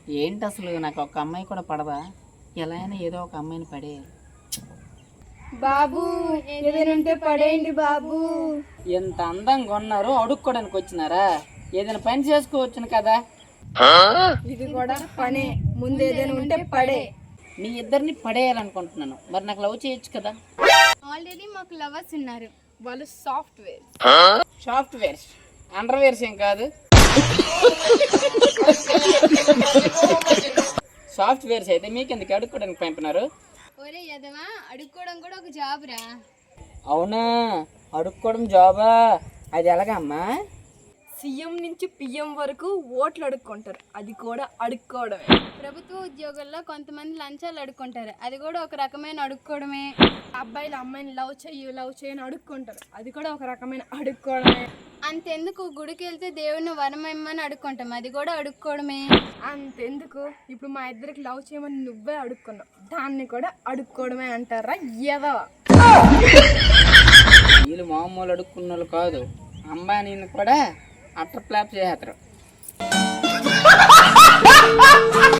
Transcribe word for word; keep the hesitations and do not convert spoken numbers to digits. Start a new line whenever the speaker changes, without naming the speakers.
ఏంటి అసలు నాకు ఒక అమ్మాయి కూడా పడదా? ఎలా అయినా ఏదో ఒక అమ్మాయిని పడేయాలి.
బాబు ఏదైనా ఉంటే పడేయండి బాబు.
ఎంత అందంగా ఉన్నారు, అడుక్కోడానికి వచ్చినారా? ఏదైనా పని చేసుకోవచ్చును కదా.
ఇది కూడా పనే, ముందు ఏదైనా ఉంటే పడే.
మీ ఇద్దరిని పడేయాలనుకుంటున్నాను, మరి నాకు లవ్ చేయొచ్చు కదా.
ఆల్రెడీ మాకు లవర్స్ ఉన్నారు, వాళ్ళు సాఫ్ట్వేర్.
సాఫ్ట్వేర్స్ అండర్వేర్స్ ఏం కాదు. సాఫ్ట్వేర్స్ అయితే మీకెందుకు అడుక్కోవడానికి పంపినారు?
ఒరే యదవా, అడుక్కోవడం కూడా ఒక జాబ్ రా.
అవునా, అడుక్కోవడం జాబా? అది ఎలాగమ్మా?
సీఎం నుంచి పిఎం వరకు ఓట్లు అడుక్కుంటారు, అది కూడా అడుక్కోవడమే.
ప్రభుత్వ ఉద్యోగుల్లో కొంతమంది లంచాలు అడుక్కుంటారు, అది కూడా ఒక రకమైన అడుక్కోవడమే.
అబ్బాయిలు అమ్మాయిని లవ్ చెయ్యి లవ్ చేయని అడుక్కుంటారు, అది కూడా ఒక రకమైన అడుక్కోవడమే.
అంతెందుకు, గుడికి వెళ్తే దేవుడిని వరం ఇమ్మని అడుక్కుంటాం, అది కూడా అడుక్కోవడమే.
అంతెందుకు, ఇప్పుడు మా ఇద్దరికి లవ్ చేయమని నువ్వే అడుక్కున్నావు, దాన్ని కూడా అడుక్కోవడమే అంటారా ఏదో.
వీళ్ళు మామూలు అడుక్కున్న వాళ్ళు కాదు, అంబానీని కూడా అట్టర్ ఫ్లాప్ చేసేస్తారు.